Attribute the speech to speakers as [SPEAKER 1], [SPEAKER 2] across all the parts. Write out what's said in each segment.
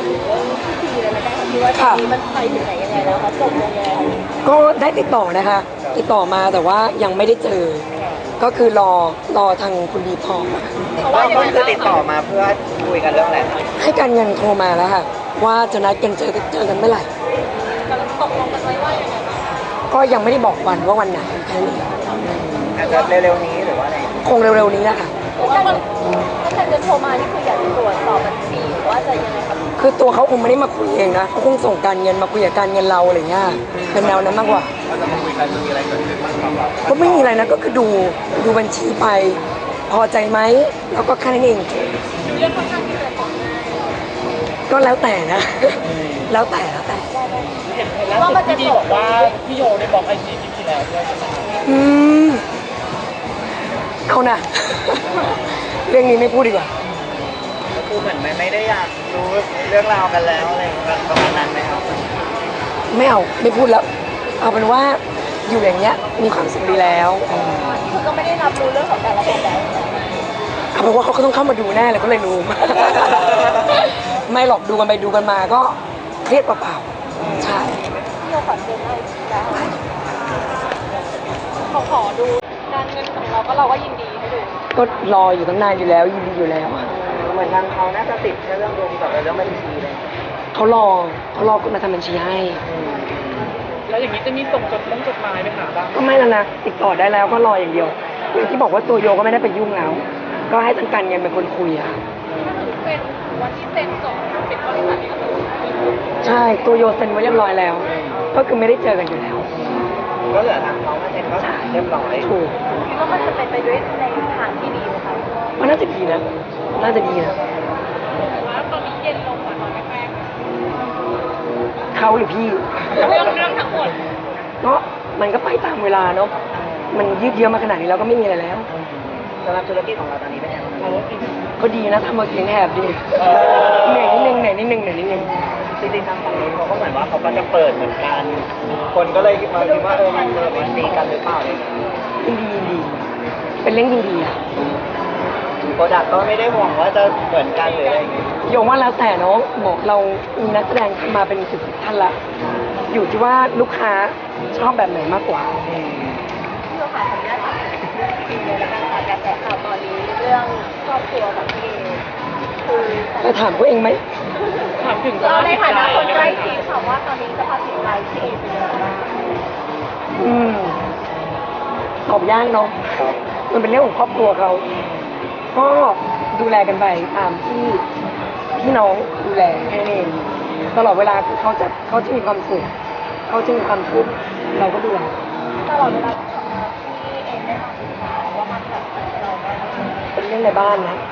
[SPEAKER 1] ามถึงเรื่องพิธีเลยละกันค่ะที่ว่าตอนนี้มันไปถึงไหนยังไงแล้วคะจบยังไงคะ
[SPEAKER 2] ก็ได้ติดต่อนะคะติดต่อมาแต่ว่ายังไม่ได้เจอ ก็คือรอทางคุณดีพอมา
[SPEAKER 1] เพราะว่ายังไง
[SPEAKER 3] คือติดต่อมาเพื่อคุยกันเรื่องอะไรคะ
[SPEAKER 2] ให้การเงินโทรมาแล้วค่ะว่าจะนัดกันเจอกันเมื่อไหร่
[SPEAKER 1] ตกลงกันไว้ว่ายังไงบ้าง
[SPEAKER 2] ก็ยังไม่ได้บอกวันว่าวันไหนแค่นี้
[SPEAKER 3] อาจจะเร็วๆนี้หรือว่าอะไร
[SPEAKER 2] คงเร็วๆนี้นะคะ
[SPEAKER 1] เพราะว่ามันถ้าใครจะโทรมานี่คืออยากจะตรวจสอบบัญชีหรือว่าจะยังไงครับ
[SPEAKER 2] คือตัวเขาคงไม่ได้มาคุยเองนะเขาคงส่งการเงินมาคุยกับการเงินเราอะไรเงี้ยเป็นแนวนั้นมากกว่า
[SPEAKER 3] เราจะมาคุยกันมีอะไรเกิดขึ้นบ้างครับเรา
[SPEAKER 2] ก็ไม่มีอะไรนะก็คือดูบัญชีไป พอใจไหมแล้วก็แค่นั้นเอง
[SPEAKER 1] เรื่องค่อนข้างที่จะฟ้องง่าย
[SPEAKER 2] ก็แล้วแต่นะ แล้วแต่
[SPEAKER 3] เห็นล่าสุดพี่ดีบอกว่าพี่โยได้บล็อกไอจีพี่แล้วด้วยใช่ไหม
[SPEAKER 2] อืมเอานะ เรื่องนี้ไม่พูดดีกว่า
[SPEAKER 3] ก็คือเหมือนไม่ได้อยากรู้เรื่องราวกันแล้วอะไรประมาณนั้นไหมครับ
[SPEAKER 2] ไม่เอาไม่พูดแล้ว เอาเป็นว่าอยู่อย่างเงี้ยมีความสุขดีแล้ว
[SPEAKER 1] คือก็ไม่ได้รับรู้เรื่องของการละกันแล้ว
[SPEAKER 2] เอาเป็นว่าเขาก็ต้องเข้ามาดูแน่เลยก็เลยรู้ ไม่หรอกดูกันไปดูกันมาก็เครียดเปล่าๆใช่
[SPEAKER 1] ที่เราขอเดินได้แล้วเขาขอดูการเงินของเราก็เราก็ยินดีให้ดู
[SPEAKER 2] ก็รออยู่ตั้งนานอยู่แล้วยินดีอยู่แล้วอะ
[SPEAKER 3] เหมือนทางเขาน่าจะติดแค่เรื่องดวงกับเรื่องบัญชีเลย
[SPEAKER 2] เขารอคุณมาทำบัญชีให้
[SPEAKER 3] แล้วอย่างนี้จะมีส่งจดหมายไปหาบ้าง
[SPEAKER 2] ก็ไม่แล้วนะติดต่อได้แล้วก็รออย่างเดียวอย่างที่บอกว่าตัวโยก็ไม่ได้ไปยุ่งแล้ว ก็ให้ทางการเงินเป็นคนคุยอะ
[SPEAKER 1] เป็นวันที่เซ็นจบเป็นบริษัทนี้ก็คือ
[SPEAKER 2] ใช่ตัวโยเซ็นไว้เรียบร้อยแล้ว ก็คือไม่ได้เจอกันอยู่แล้ว
[SPEAKER 3] ก็เหลือทางเขามาเซ็นก็เรียบร้อย
[SPEAKER 2] ถูก
[SPEAKER 1] คิดว่ามันจะเป็นไปด้วยในทางที่ดีไหมคะ
[SPEAKER 2] มันน่าจะดีนะน่าจะดีนะ
[SPEAKER 1] ว่าตอนนี้เย็นลงกว่าตอนแรก
[SPEAKER 2] เขาหรือพี่
[SPEAKER 1] ๆเรื่องทั้งหมด
[SPEAKER 2] ก็มันก็ไปตามเวลาเนาะมันยืดเยื้อมาขนาดนี้แล้วก็ไม่มีอะไรแล้ว
[SPEAKER 3] สำหรับธุรกิจของเราตอนนี้เป็นยังไงบ้าง
[SPEAKER 2] ก็ดีนะทำมาเสียงแหบดีเหนื่อยนิดนึงเหนื่อยนิดนึงเหนื่อยนิดนึง
[SPEAKER 3] จริงๆทางฝั่งนู้นเขาก็เหมือนว่าเขาก็จะเปิดเหมือนกัน คนก็เลยมาคิดว่ามันตีกันหรือเปล่าอะไรอย่างเงี้ย
[SPEAKER 2] ยินดีเป็นเรื่องยินดีอะ
[SPEAKER 3] โปรดักต์ก็ไม่ได้ห่วงว่าจะเหมือนกันหรืออะไรอย่างเงี้ย
[SPEAKER 2] โยมว่าแล้วแต่เนาะบอกเรามีนักแสดงมาเป็น10ท่านละอยู่ที่ว่าลูกค้าชอบแบบไหนมากกว่า
[SPEAKER 1] ที่เราขายขออนุญาตถามจริงเลยละกันค่ะกระแสข่าวตอนนี้เรื่องครอบครัวของพี่คือ
[SPEAKER 2] จะถามเขาเองไหม
[SPEAKER 3] ถามถึง
[SPEAKER 1] เราในฐานะคนใกล้ชิดค่ะว่าตอนนี้สภาพจิตใจพี่เป็นยังไงบ้าง
[SPEAKER 2] อืมตอบยากเนาะมันเป็นเรื่องของครอบครัวเขาก็ดูแลกันไปตามที่พี่น้องดูแลแค่นั้นเองตลอดเวลาคือเขาจะมีความสุขเขาจะมีความทุกข์เราก็ดูแล
[SPEAKER 1] ตลอดเวลาที่ทำงานพี่เองได้มาศึกษาว่ามันแบบเราได้
[SPEAKER 2] เป็นเรื่องในบ้านนะ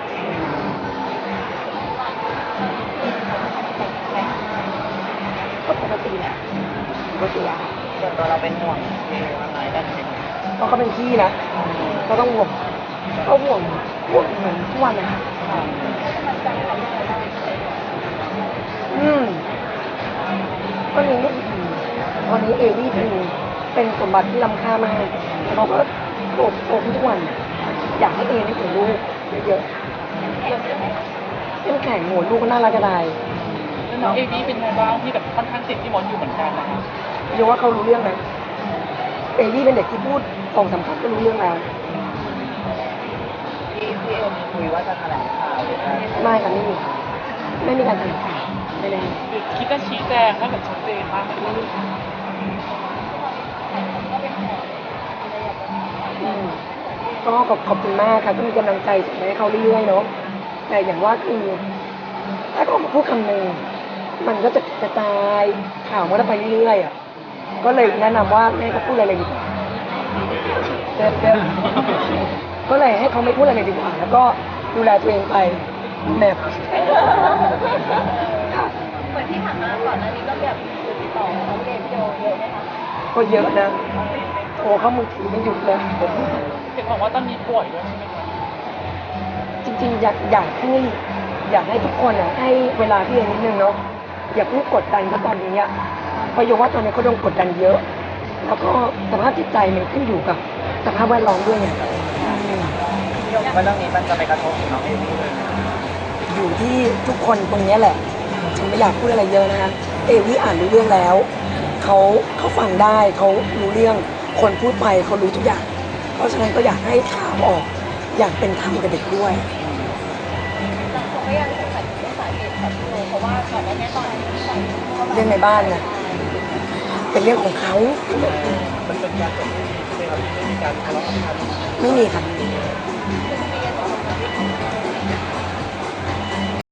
[SPEAKER 2] ก็ปกติแหละปกติอะ
[SPEAKER 3] ส่วนตัวเราเป็นห่วงที่ว่าไงกันไหม
[SPEAKER 2] เพราะเขาเป็นพี่นะก็ต้องห่วงก็ห่วงเหมือนทุกวันนะคะก็นี้ตอนนี้เอวี่เป็นสมบัติที่ล้ำค่ามากเราก็โตขึ้นทุกวัน อยากให้เอได้ถึงลูกเยอะๆเข้มแข็งหัวลูกก็น่ารักกระได
[SPEAKER 3] น้องเอวี่เป็นไงบ้างที่แบบค่อนข้างติดที่มอนอยู่เหมือนกันนะคะ
[SPEAKER 2] โยว่าเขารู้เรื่องนะเอวี่เป็นเด็กที่พูด2-3 คำก็รู้เรื่องแล้ว
[SPEAKER 3] ที่เอ็มคุยว่าจะแถลงข่าวหรืออะไร
[SPEAKER 2] ไม่ค่ะไม่มีการแถลงข่าวไม่แน่
[SPEAKER 3] คิดจะชี้แจงให้แบบชัดเจนมากขึ้น
[SPEAKER 2] ก็ขอบคุณมากค่ะก็มีกำลังใจส่งให้เขาเรื่อยๆเนาะแต่อย่างว่าคือถ้าเขามาพูดคำหนึ่งมันก็จะกระจายข่าวมันก็ไปเรื่อยๆอ่ะก็เลยแนะนำว่าไม่ให้เขาพูดอะไรเลยดีกว่าเด็ดก็เลยให้เขาไม่พูดอะไรเลยดีกว่าแล้วก็ดูแลตัวเองไปแบบ
[SPEAKER 1] เหมือนที่ผ่านมาก่อนหน้านี้ก็แบบติดต่อน้องเกมโยเยอะไหมคะ
[SPEAKER 2] ก็เยอะนะโทรเข้ามือถือไม่หยุดเลย
[SPEAKER 3] เห็นบอกว่าตอนนี้ป่วยด้วยใช่ไหมคะ
[SPEAKER 2] จริงๆอยากให้ทุกคนอ่ะให้เวลาพี่เองนิดนึงเนาะอย่าเพิ่งกดดันเขาตอนนี้อ่ะเพราะโยว่าตอนนี้เขาโดนกดดันเยอะ แล้วก็สภาพจิตใจมันขึ้นอยู่กับสภาพแวดล้อมด้วยไง
[SPEAKER 3] ว่าเรื่องนี้มันจะไปกระทบถึงน้องเอวี่เลย
[SPEAKER 2] อยู่ที่ทุกคนตรงเนี้ยแหละฉันไม่อยากพูดอะไรเยอะนะคะวี่อ่านรู้เรื่องแล้วเขาฟังได้เขารู้เรื่องคนพูดไปเขารู้ทุกอย่าง เพราะฉะนั้นก็อยากให้ข่าวออกอย่างเป็นธรรมกับเด็กด้วย
[SPEAKER 1] แต่เขาก็ยังสงสัยถึงเรื่องสาเหตุของพี่โนเพราะว่าก่อนหน้านี้ตอนที่ใส่เข้ามา
[SPEAKER 2] เรื่องในบ้านนะเป็นเรื่องของเขา
[SPEAKER 3] มันเป็นการจบที่ดีใช่ไหมครับไม่มีการทะเลาะกัน
[SPEAKER 2] ไม่มีค่ะ
[SPEAKER 1] คือมีกันสองคนกับพี่โน